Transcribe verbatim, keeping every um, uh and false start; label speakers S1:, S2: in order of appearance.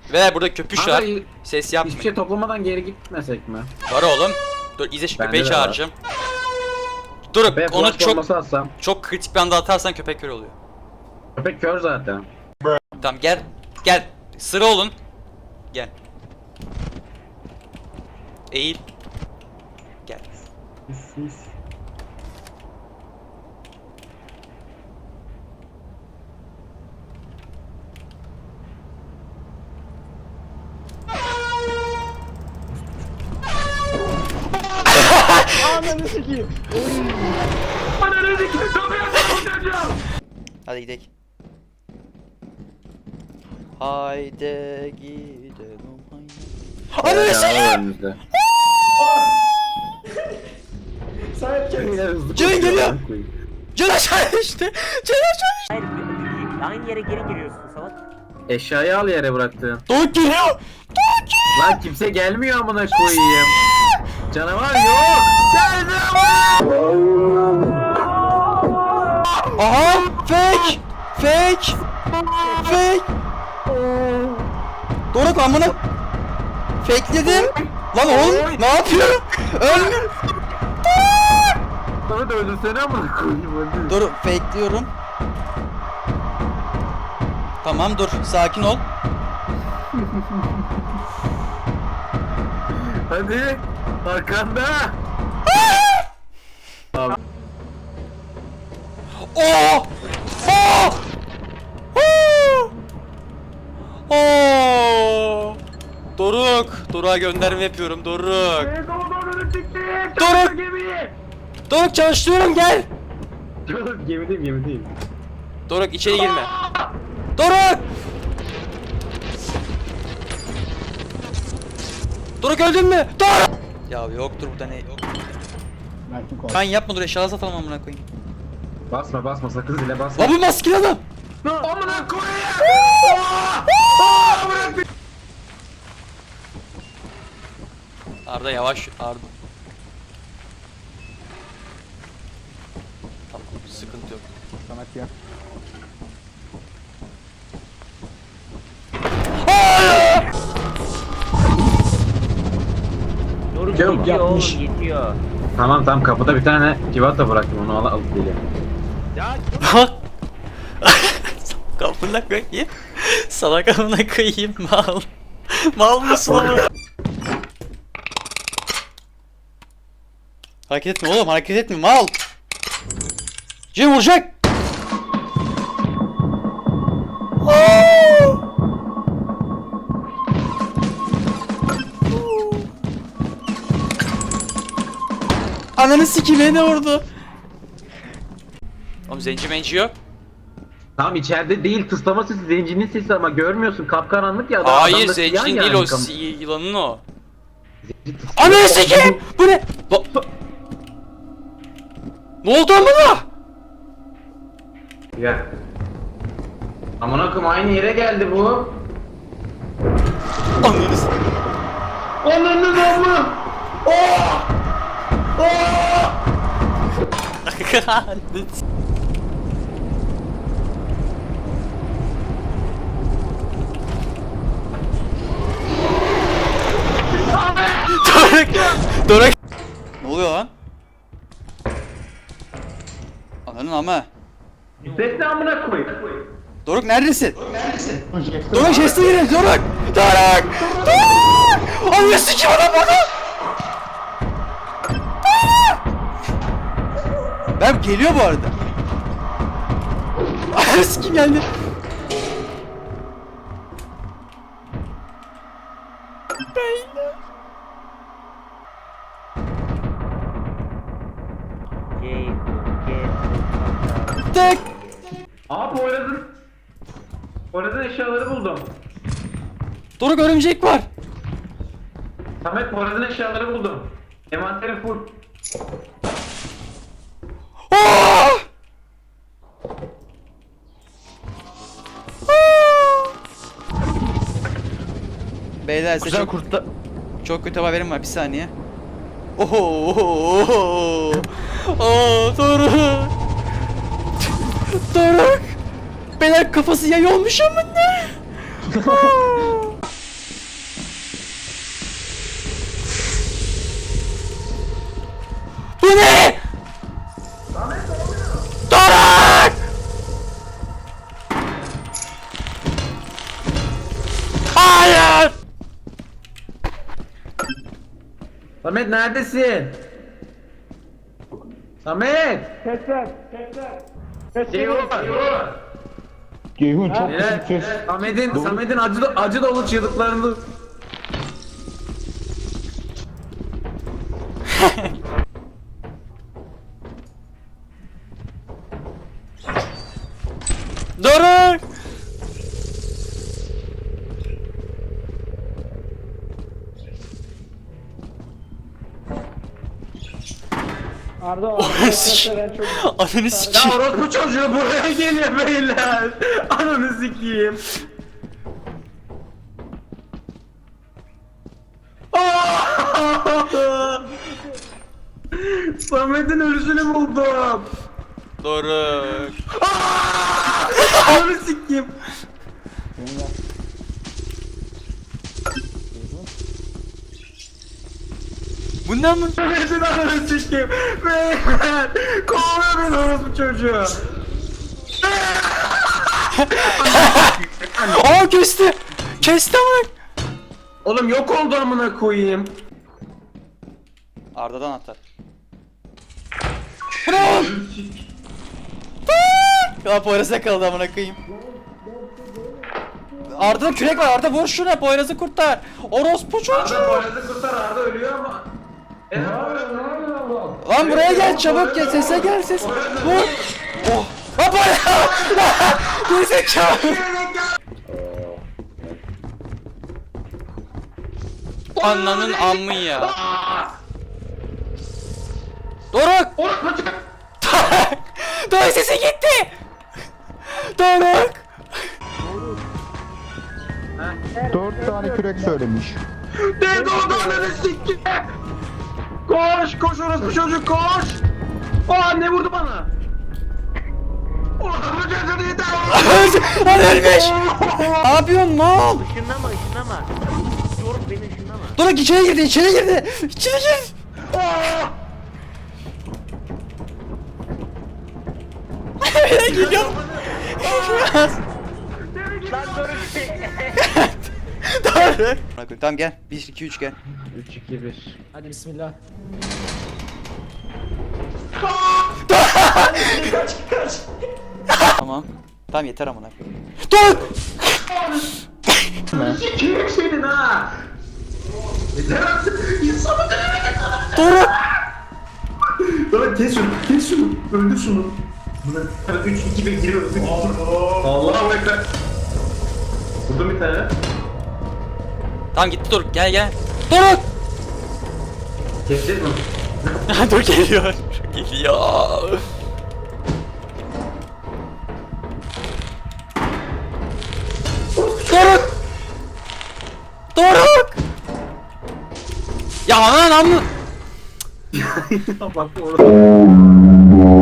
S1: Ve burada köpüş var.
S2: Abi,
S1: Ses yapmayın.
S2: hiçbir şey toplamadan geri gitmesek mi?
S1: Var oğlum. Dur izle şu
S2: Bende
S1: köpeği
S2: de
S1: çağıracağım. Dur
S2: Köpeğe
S1: onu
S2: flash
S1: çok
S2: bombası atsam.
S1: çok kritik bir anda atarsan köpek kör oluyor.
S2: Köpek kör zaten.
S1: Tamam gel. Gel. Sıra olun. Gel. Eğil. Gel.
S3: Ananı sikeyim.
S2: Ananı sikeyim çocuğum.
S1: Hadi gidelim. Haydi gidelim. Haydi. Ananı sikeyim.
S2: Önümüzde.
S3: Sahip kendine.
S1: Ceren geliyor. Can aşağı düştü. Can aşağı düştü.
S4: Hayır, aynı yere geri giriyorsun salak.
S2: Eşyayı al yere bıraktın.
S1: Doğuk geliyor.
S2: Lan kimse gelmiyor amına koyayım. Canavar yok. Geldi ama.
S1: Aha! Fake! Fake! Fake! Doruk amına fakeledim. Lan oğlum ne yapıyorum? Öldüm.
S2: Sana da öldürsene amına koyayım hadi.
S1: Dur fakeliyorum. Tamam dur sakin ol.
S2: Hadi. Arkanda.
S1: Oh! Oh! Oh! Oh! Doruk, Doruk'a gönderme yapıyorum Doruk. Doruk! Doruk çalıştırıyorum gel.
S2: Çabuk gemideyim gemideyim.
S1: Doruk içeri girme. Doruk! Doruk öldün mü? Doruk! Ya yoktur burada ne? Yok.
S3: Mert'in kol.
S1: Ben yapma dur eşyaları satalım amına koyayım.
S2: Basma basma sakın zile basma.
S1: Lan bu maskeli adam.
S2: Amına koyayım.
S1: Arda yavaş Arda. Tamam sıkıntı yok.
S3: Samet ya.
S4: Doruk
S2: Yok,
S4: yetiyor
S3: yapmış.
S4: oğlum yetiyor.
S2: Tamam tamam kapıda bir tane civata bıraktım onu al alıp geliyorum.
S1: Bak. Kapına koyayım. Salak amına koyayım mal. Mal mısın oğlum? Hareket etme oğlum hareket etme mal. Cem vuracak. Ananı sikeyim beni vurdu. Oğlum zenci menci yok.
S2: Tamam içeride değil tıslama sesi zencinin sesi ama görmüyorsun kapkaranlık ya. adam-
S1: Hayır
S2: adamda siyah
S1: zencinin
S2: yani
S1: değil o
S2: kam-
S1: si- yılanın o.
S2: Zenci tıslıyor.
S1: Ananı sikeyim! Bu ne? Ba- Ne oldu amına?
S2: Gel. Amına koyayım aynı yere geldi bu.
S1: Ananı s-
S2: Ananın amı.
S1: Doruk! Doruk! Ne oluyor lan? Ananın ama.
S2: Ses ne amına koyayım?
S1: Doruk neredesin? Doruk chest'e girin Doruk! Doruk! Doruk! Ananı sikeyim adam bana! Ben geliyor bu arada. Ananı sikeyim geldi. Beyler.
S4: Gel, gel.
S1: Tek.
S2: Aa Poyraz'ın Poyraz'ın eşyaları buldum.
S1: Doruk örümcek var.
S2: Samet Poyraz'ın eşyaları buldum. Envanterim full.
S1: Aa! Beyler size
S3: Güzel
S1: çok,
S3: kurtta.
S1: çok kötü haberim var bir saniye. Oho oho oho. Aa Doruk. Doruk. Beyler kafası yay olmuş ama ne? Hayır.
S2: Samet neredesin? Samet!
S3: Sesler. Sesler.
S2: Ceyhun!
S3: Ceyhun çok
S2: Neler?
S3: kısık ses.
S2: Samet'in Samet'in acı acı dolu çığlıklarını.
S1: Doruk.
S3: Arda
S1: Ananı
S3: Arda
S1: sikeyim.
S3: ben çok
S1: Ananı
S2: Ya
S1: sikeyim.
S2: orospu çocuğu buraya geliyor beyler. Ananı sikeyim. Samet'in ölüsünü buldum.
S1: Doruk.
S2: Ananı sikeyim.
S1: Bundan mı?
S2: Samet'in ananı sikeyim. Beyler. Kovuyor beni orospu çocuğu.
S1: Aa kesti. Kesti ama.
S2: Oğlum yok oldu amına koyayım.
S1: Arda'dan atar. Bırak. Ya Poyraz'a kaldı amına koyayım. Arda'da kürek var. Arda vur şuna. Poyraz'ı kurtar. Orospu çocuğu.
S2: Arda Poyraz'ı kurtar, Arda ölüyor ama. E,
S1: Lan buraya gel çabuk gel. Sese gel ses. Vur. Oh. Lan Poyraz. Gerizekalı. Ananın ammı ya. Doruk. Doruk. Doruk sesi gitti. Doruk.
S3: dört tane kürek söylemiş.
S2: Ne doğdu ananı sikeyim. Koş, koş orospu çocuk koş. Aa ne vurdu bana? Orospu çocuğu yeter.
S1: Lan ölmüş. Ne yapıyorsun mal?
S4: Işınlama ışınlama. Yorum beni ışınlama.
S1: Doruk içeri girdi içeri girdi. İçeri gir. Ben geliyorum.
S4: Lan dur.
S1: Doruk. Tamam gel. bir iki üç gel.
S2: üç iki bir.
S3: Hadi bismillah.
S1: Tamam. Tamam yeter amına. Doruk.
S2: Sikeyim senin ha. Yeter artık. İnsanı
S1: Doruk.
S2: Doruk kes şunu, kes şunu. Öldür şunu. üç iki bir giriyoruz. Allahu ekber. Vurdum bir tane.
S1: Tamam gitti Doruk gel gel. Doruk.
S2: Kesecek mi?
S1: Dur geliyor. Geliyor. Doruk. Doruk. Ya anan amı.
S2: Bak orada.